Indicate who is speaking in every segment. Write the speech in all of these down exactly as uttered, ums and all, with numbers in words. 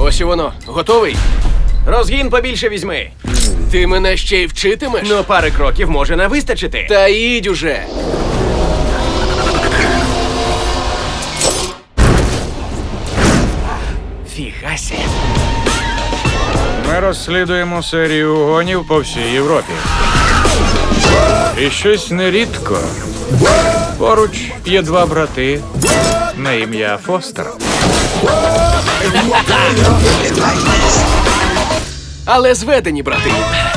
Speaker 1: Ось і воно. Готовий?
Speaker 2: Розгін побільше візьми.
Speaker 1: Ти мене ще й вчитимеш?
Speaker 2: Ну, пари кроків може не вистачити.
Speaker 1: Та їдь уже.
Speaker 2: Фігася.
Speaker 3: Ми розслідуємо серію угонів по всій Європі. І щось нерідко. Поруч є два брати на ім'я Фостер.
Speaker 1: Але зведені, брати.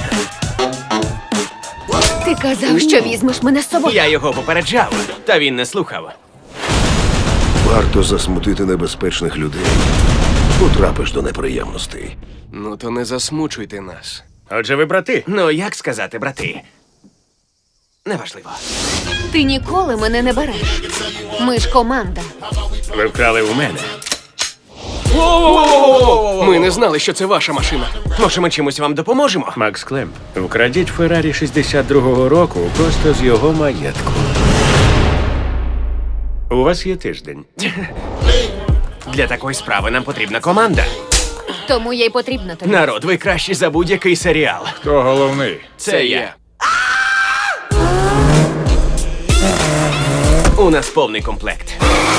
Speaker 4: Ти казав, що візьмеш мене з собою.
Speaker 2: Я його попереджав, та він не слухав.
Speaker 5: Варто засмутити небезпечних людей. Потрапиш до неприємностей.
Speaker 1: Ну то не засмучуйте нас.
Speaker 2: Отже, ви брати? Ну, як сказати, брати? Неважливо.
Speaker 4: Ти ніколи мене не береш. Ми ж команда.
Speaker 2: Ви вкрали у мене.
Speaker 1: Ми не знали, що це ваша машина.
Speaker 2: Може, ми чимось вам допоможемо?
Speaker 6: Макс Клемп, вкрадіть Феррарі шістдесят другого року просто з його маєтку. У вас є тиждень.
Speaker 2: Для такої справи нам потрібна команда.
Speaker 4: Тому я й потрібна тобі.
Speaker 2: Народ, ви кращі за будь-який серіал.
Speaker 3: Хто головний?
Speaker 2: Це я. У нас повний комплект.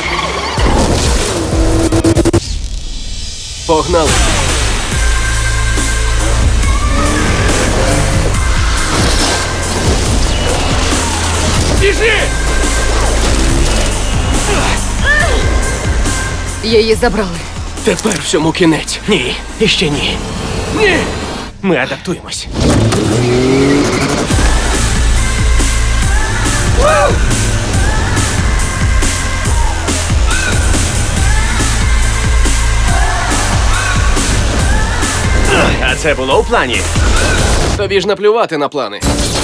Speaker 1: Погнали.
Speaker 2: Біжи!
Speaker 4: Її забрали.
Speaker 1: Тепер всьому кінець.
Speaker 2: Ні, іще ні. Ні! Ми адаптуємось. А це було у плані?
Speaker 1: Тобі ж наплювати на плани.